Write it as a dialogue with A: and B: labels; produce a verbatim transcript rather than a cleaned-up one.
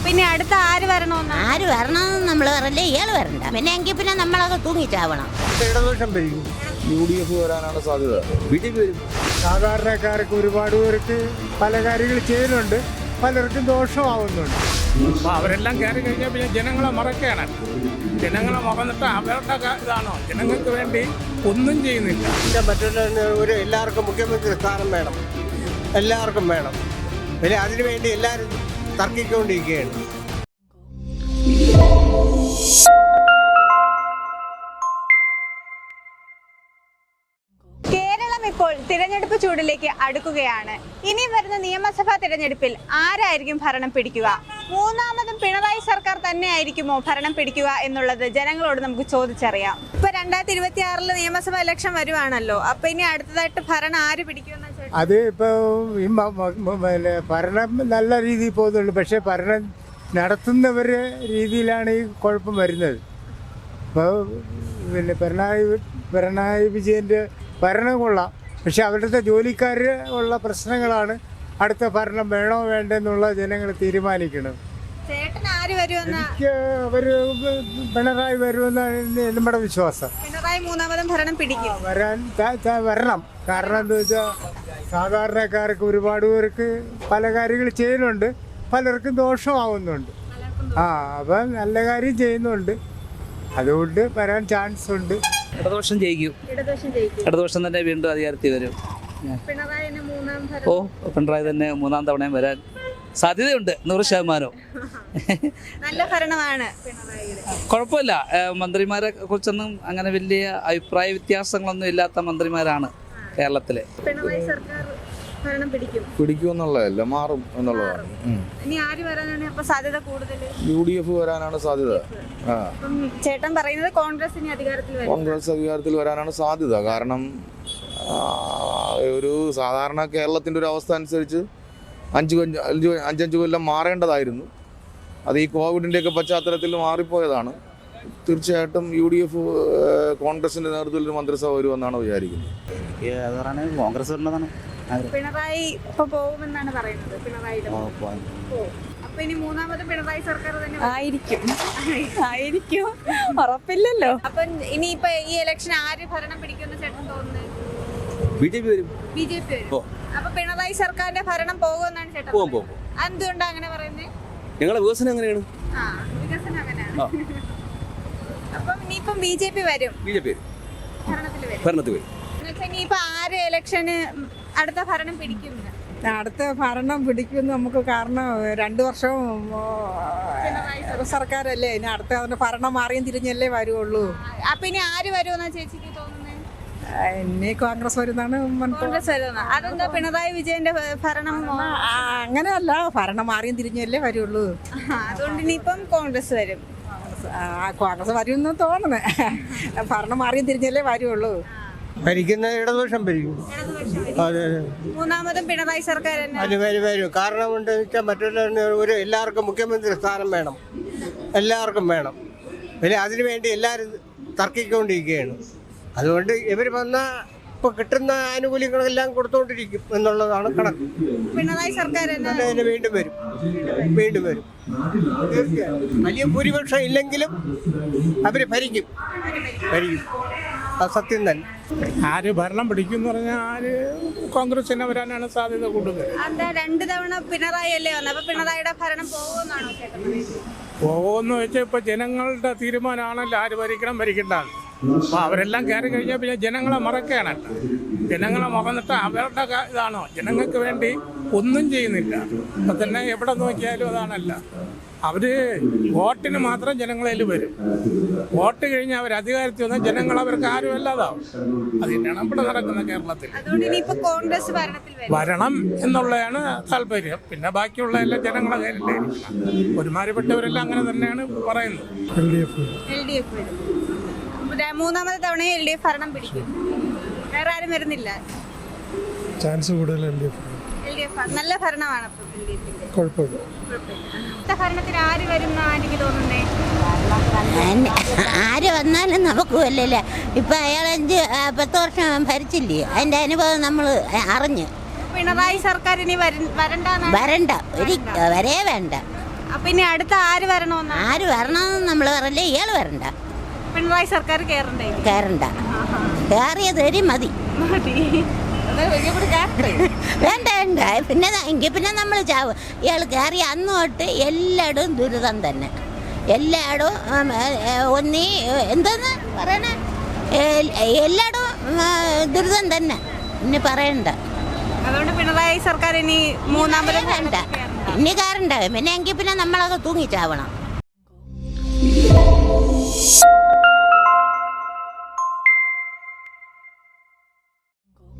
A: പിന്നെ അടുത്ത ആര് വരണമെന്ന്
B: ആര് വരണമെന്ന് നമ്മൾ പറയല്ലേ, ഇയാൾ വരണ്ട. പിന്നെ എങ്കിൽ പിന്നെ നമ്മളൊക്കെ തൂങ്ങിച്ചാവണം.
C: ഇടതുപക്ഷം ഭരിക്കും.
D: യു ഡി എഫ് വരാനാണ് സാധ്യത. ബി ജെ പി വരും.
C: സാധാരണക്കാർക്ക് ഒരുപാട് പേർക്ക് പല കാര്യങ്ങൾ ചെയ്യുന്നുണ്ട്, പലർക്കും ദോഷമാവുന്നുണ്ട്.
E: അപ്പോൾ അവരെല്ലാം കയറി കഴിഞ്ഞാൽ പിന്നെ ജനങ്ങളെ മറക്കുകയാണ്. ജനങ്ങളെ മറന്നിട്ട് അവരുടെ ഇതാണോ, ജനങ്ങൾക്ക് വേണ്ടി ഒന്നും ചെയ്യുന്നില്ല.
C: മറ്റുള്ള ഒരു എല്ലാവർക്കും മുഖ്യമന്ത്രി സ്ഥാനം വേണം, എല്ലാവർക്കും വേണം. പിന്നെ അതിനുവേണ്ടി എല്ലാവരും തർക്കിക്കൊണ്ടിരിക്കുകയാണ്.
A: കേരളം ഇപ്പോൾ തിരഞ്ഞെടുപ്പ് ചൂടിലേക്ക് അടുക്കുകയാണ്. ഇനി വരുന്ന നിയമസഭാ തിരഞ്ഞെടുപ്പിൽ ആരായിരിക്കും ഭരണം പിടിക്കുക? മൂന്നാമതും പിണറായി സർക്കാർ തന്നെ ആയിരിക്കുമോ ഭരണം പിടിക്കുക എന്നുള്ളത് ജനങ്ങളോട് നമുക്ക് ചോദിച്ചറിയാം. ഇപ്പൊ രണ്ടായിരത്തി ഇരുപത്തി ആറില് നിയമസഭാ ഇലക്ഷൻ വരുവാണല്ലോ. അപ്പൊ ഇനി അടുത്തതായിട്ട് ഭരണം ആര് പിടിക്കുമെന്ന്
C: അത് ഇപ്പോൾ ഈ പിന്നെ ഭരണം നല്ല രീതിയിൽ പോകുന്നുള്ളൂ, പക്ഷേ ഭരണം നടത്തുന്നവരുടെ രീതിയിലാണ് ഈ കുഴപ്പം വരുന്നത്. ഇപ്പോൾ പിന്നെ പിണറായി പിണറായി വിജയൻ്റെ ഭരണം കൊള്ളാം, പക്ഷെ അവരുടെ ജോലിക്കാർ ഉള്ള പ്രശ്നങ്ങളാണ് അടുത്ത ഭരണം വേണോ വേണ്ടെന്നുള്ള ജനങ്ങൾ തീരുമാനിക്കണം. എനിക്ക് അവർ പിണറായി വരുമെന്നാണ് നമ്മുടെ വിശ്വാസം.
A: പിണറായി മൂന്നാമതും ഭരണം പിടിക്കും.
C: വരാൻ വരണം. കാരണം എന്താ വെച്ചാൽ സാധാരണക്കാർക്ക് ഒരുപാട് പേർക്ക് പല കാര്യങ്ങൾ ചെയ്യുന്നുണ്ട്, പലർക്കും ദോഷമാവുന്നുണ്ട്. ആ അപ്പം നല്ല കാര്യം ചെയ്യുന്നുണ്ട്, അതുകൊണ്ട് വരാൻ ചാൻസ് ഉണ്ട്.
F: ഇടതുപക്ഷം ജയിക്കും. ഇടതുപക്ഷം തന്നെ വീണ്ടും അധികാരത്തിൽ വരും. ഓ പിണറായി തന്നെ മൂന്നാം തവണയും വരാൻ സാധ്യതയുണ്ട്, നൂറ് ശതമാനവും.
A: നല്ല ഭരണമാണ്.
F: കുഴപ്പമില്ല. മന്ത്രിമാരെ കുറിച്ചൊന്നും അങ്ങനെ വലിയ അഭിപ്രായ വ്യത്യാസങ്ങളൊന്നും ഇല്ലാത്ത മന്ത്രിമാരാണ് കേരളത്തിലെ.
A: പിണറായി സർക്കാർ ഭരണം പിടിക്കും.
D: പിടിക്കുമെന്നുള്ളതല്ല, മാറും എന്നുള്ളതാണ്.
A: ഇനി ആര് വരാനാണ് അപ്പൊ സാധ്യത കൂടുതൽ?
D: യു ഡി എഫ് വരാനാണ് സാധ്യത. ആ
A: ചേട്ടൻ പറയുന്നത് കോൺഗ്രസ് ഇനി അധികാരത്തിൽ വരും.
D: കോൺഗ്രസ് അധികാരത്തിൽ വരാനാണ് സാധ്യത. കാരണം ഒരു സാധാരണ കേരളത്തിൻ്റെ ഒരു അവസ്ഥ അനുസരിച്ച് അഞ്ച് അഞ്ച് അഞ്ചഞ്ച് കൊല്ലം മാറേണ്ടതായിരുന്നു. അത് ഈ കോവിഡിൻ്റെയൊക്കെ പശ്ചാത്തലത്തിൽ മാറിപ്പോയതാണ്. തീർച്ചയായിട്ടും യു ഡി എഫ് കോൺഗ്രസിൻ്റെ നേതൃത്വത്തിൽ മന്ത്രിസഭ വരുമെന്നാണ് വിചാരിക്കുന്നത്.
F: കോൺഗ്രസ് വരുന്നതാണ്.
A: പിണറായി ഇപ്പൊ പോകുമെന്നാണ് പറയുന്നത്. പിണറായി അപ്പൊ ഇനി മൂന്നാമത് പിണറായി സർക്കാർ തന്നെ ആയിരിക്കും. ആയിരിക്കും, ഉറപ്പില്ലല്ലോ. അപ്പൊ ഇനിയിപ്പൊ ഈ ഇലക്ഷൻ ആര് ഭരണം പിടിക്കുമെന്ന് ചേട്ടൻ തോന്നുന്നത്?
D: ബി ജെ പി വരും.
A: ബി ജെ പി വരും. അപ്പൊ പിണറായി സർക്കാരിന്റെ ഭരണം പോകുമെന്നാണ് ചേട്ടൻ? എന്തുകൊണ്ടാ അങ്ങനെ പറയുന്നത്?
D: ഞങ്ങളുടെ വികസനം എങ്ങനെയാണ്?
A: ആ, വികസനം അങ്ങനെയാണ്. അപ്പൊ ഇനിയിപ്പം ബി ജെ പി വരും.
D: ബി ജെ പി
A: ഭരണത്തിൽ വരും.
D: ഭരണത്തിൽ വരും.
A: ഇനിയിപ്പൊ ആര് ഇലക്ഷന് അടുത്ത ഭരണം പിടിക്കും?
G: അടുത്ത ഭരണം പിടിക്കുമെന്ന് നമുക്ക്, കാരണം രണ്ടു വർഷം സർക്കാരല്ലേ, ഇനി അടുത്ത അതിന്റെ ഭരണം മാറിയും തിരിഞ്ഞല്ലേ വരുള്ളൂ.
A: അപ്പൊ ഇനി ആര് വരുമെന്നാ ചേച്ചിക്ക് തോന്നുന്നത്?
G: ഇനി കോൺഗ്രസ് വരുന്നതാണ്.
A: കോൺഗ്രസ് വരുന്ന. അതെന്താ പിണറായി വിജയന്റെ ഭരണം?
G: അങ്ങനെയല്ല, ഭരണം മാറിയും തിരിഞ്ഞല്ലേ വരുള്ളൂ.
A: അതുകൊണ്ട് ഇനിയിപ്പം കോൺഗ്രസ് വരും.
G: കോൺഗ്രസ് വരുമെന്ന് തോന്നുന്നേ, ഭരണം മാറിയും തിരിഞ്ഞല്ലേ വരുള്ളൂ.
C: ഭരിക്കുന്ന ഇടതുപക്ഷം ഭരിക്കും. അതെ,
A: മൂന്നാമതും പിണറായി സർക്കാർ തന്നെ
C: അത് വരും വരും. കാരണം കൊണ്ട് വെച്ചാൽ മറ്റുള്ള ഒരു എല്ലാവർക്കും മുഖ്യമന്ത്രി സ്ഥാനം വേണം, എല്ലാവർക്കും വേണം. പിന്നെ അതിനുവേണ്ടി എല്ലാവരും തർക്കിക്കൊണ്ടിരിക്കുകയാണ്. അതുകൊണ്ട് ഇവർ വന്ന ഇപ്പോൾ കിട്ടുന്ന ആനുകൂല്യങ്ങളെല്ലാം കൊടുത്തുകൊണ്ടിരിക്കും എന്നുള്ളതാണ് കണക്ക്.
A: പിണറായി സർക്കാർ
C: തന്നെ വീണ്ടും വരും, വീണ്ടും വരും. തീർച്ചയായും വലിയ ഭൂരിപക്ഷം ഇല്ലെങ്കിലും അവർ ഭരിക്കും, ഭരിക്കും. അത് സത്യം തന്നെ.
E: ആര് ഭരണം പിടിക്കും എന്ന് പറഞ്ഞാൽ ആര് കോൺഗ്രസ് തന്നെ വരാനാണ് സാധ്യത കൂടുതൽ.
A: എന്താ രണ്ട് തവണ പിണറായി അല്ലേ വന്നത്? അപ്പൊ പിണറായിയുടെ ഭരണം പോകുമെന്നാണോ ചേട്ടൻ?
E: പോകുമെന്ന് വെച്ചാൽ ഇപ്പൊ ജനങ്ങളുടെ തീരുമാനമാണല്ലോ ആര് ഭരിക്കണം ഭരിക്കേണ്ടത്. അപ്പോൾ അവരെല്ലാം കയറി കഴിഞ്ഞാൽ പിന്നെ ജനങ്ങളെ മറക്കുകയാണ്. ജനങ്ങളെ മറന്നിട്ട് അവരുടെ ഇതാണോ, ജനങ്ങൾക്ക് വേണ്ടി ഒന്നും ചെയ്യുന്നില്ല. ഇപ്പൊ തന്നെ എവിടെ നോക്കിയാലും അതാണല്ല. അവര് വോട്ടിന് മാത്രം ജനങ്ങളിൽ വരും. വോട്ട് കഴിഞ്ഞാൽ അവർ അധികാരത്തിൽ വന്നാൽ ജനങ്ങൾ അവർക്ക് ആരും അല്ലാതാവും. അത് തന്നെയാണ് ഇവിടെ നടക്കുന്ന കേരളത്തിൽ.
A: കോൺഗ്രസ്
E: വരണം എന്നുള്ളതാണ് താല്പര്യം. പിന്നെ ബാക്കിയുള്ള എല്ലാ ജനങ്ങളെ കയ്യിലായിരിക്കണം. ഒരുമാതിരിപ്പെട്ടവരെല്ലാം അങ്ങനെ തന്നെയാണ് പറയുന്നത്.
C: L D F
A: L D F വരും. മൂന്നാമത്തെ തവണ എൽ ഡി എഫ് ഭരണം പിടിക്കും. വേറെ ആരും വരുന്നില്ല.
C: ചാൻസ് കൂടുതൽ L D F.
A: L D F നല്ല ഭരണമാണ്.
C: കുഴപ്പമില്ല.
A: ഭരണത്തിന് ആര് വരും എന്നാണ് എനിക്ക് തോന്നുന്നേ?
B: ആര് വന്നാലും നമുക്ക് വല്ലല്ല. ഇപ്പം അയാൾ അഞ്ച് പത്ത് വർഷം ഭരിച്ചില്ലേ, അതിൻ്റെ അനുഭവം നമ്മൾ അറിഞ്ഞു.
A: പിണറായി സർക്കാർ ഇനി വരണ്ട
B: വരണ്ട, ഒരു വരേ വേണ്ട.
A: അപ്പൊ ഇനി അടുത്ത ആര് വരണമെന്നാ?
B: ആര് വരണമെന്ന് നമ്മൾ പറയില്ല, ഇയാൾ വരണ്ട,
A: പിണറായി സർക്കാർ കേറണ്ടേ?
B: കയറണ്ട, കയറിയത് വരെ മതി. വേണ്ട വേണ്ട, പിന്നെ എങ്കിൽ പിന്നെ നമ്മൾ ചാവ്. ഇയാൾ കയറി അന്ന് തൊട്ട് എല്ലായിടും ദുരിതം തന്നെ, എല്ലായിടും ഒന്നീ എന്താന്ന് പറയണേ, എല്ലായിടും ദുരിതം തന്നെ, ഇനി പറയണ്ട.
A: അതുകൊണ്ട് പിണറായി സർക്കാർ ഇനി മൂന്നാമത്
B: വേണ്ട, ഇനി കയറണ്ട, പിന്നെ എങ്കിൽ പിന്നെ നമ്മളൊക്കെ തൂങ്ങിച്ചാവണം.